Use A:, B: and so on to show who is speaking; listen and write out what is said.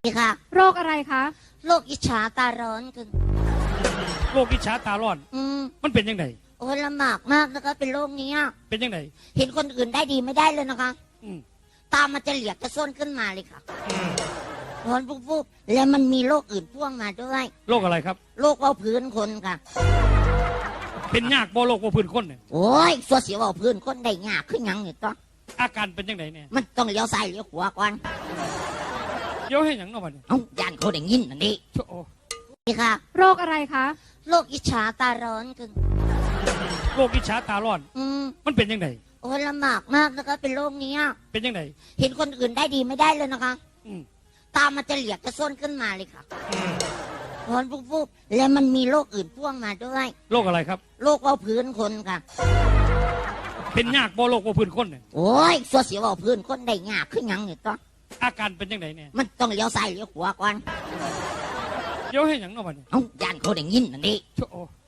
A: ดีค่ะ
B: โรคอะไรคะ
A: โรคอิจฉาตาร้อนคือ
C: โรคอิจฉาตาร้อนมันเป็นยังไง
A: โอ้ยลำบากมากนะคะเป็นโรคนี้
C: เป็นยังไง
A: เห็นคนอื่นได้ดีไม่ได้เลยนะคะ
C: อืม
A: ตามันจะเหลียกจะส้นขึ้นมาเลยค่ะร้อนปุ๊บๆแล้วมันมีโรคอื่นพ่วงมาด้วย
C: โรคอะไรครับ
A: โรคเบาพื้นคนค่ะ
C: เป็นยากบ่โรคว่าพื้นคนเนี่ย
A: โอ้ยสัวเสียวเบาพื้นคนได้ยากขึ้นยังเนี่ยต้อง
C: อาการเป็นยังไงเนี่ย
A: มันต้องเลี้ยวซ้ายเลี้ยวขวาก่อน
C: เดี๋ยวให้หยังเนาะบัดนี้
A: ย่านเขาได้ยินนั่นดิ
C: โอ้
A: นี่ค่ะ
B: โรคอะไรคะ
A: โรคอิจฉาตาร้อนคือ
C: โรคอิจฉาตาร้อนมันเป็นยังไง
A: โอ้ยลำบากมากนะคะเป็นโรคนี้
C: เป็นยังไง
A: เห็นคนอื่นได้ดีไม่ได้เลยนะคะตามันจะเหลียกจะส้นขึ้นมาเลยค่ะร้อนปุ๊บๆแล้วมันมีโรคอื่นพ่วงมาด้วย
C: โรคอะไรครับ
A: โรคเบาพื้นคนค่ะ
C: เป็นยากบ่โรคว่าพื้นคนเนี่ย
A: โอ้ยสัวเสียวเบาพื้นคนได้ยากขึ้นยังเนี่ยต้อง
C: อาการเป็นยังไงเนี่ย
A: มันต้องเลี้ยวซ้ายเลี้ยวขวาก่อน
C: เดี๋ยวให้หยังเนาะบัดนี้
A: ย่านเขาได้ยินนั่นดิ
C: โอ้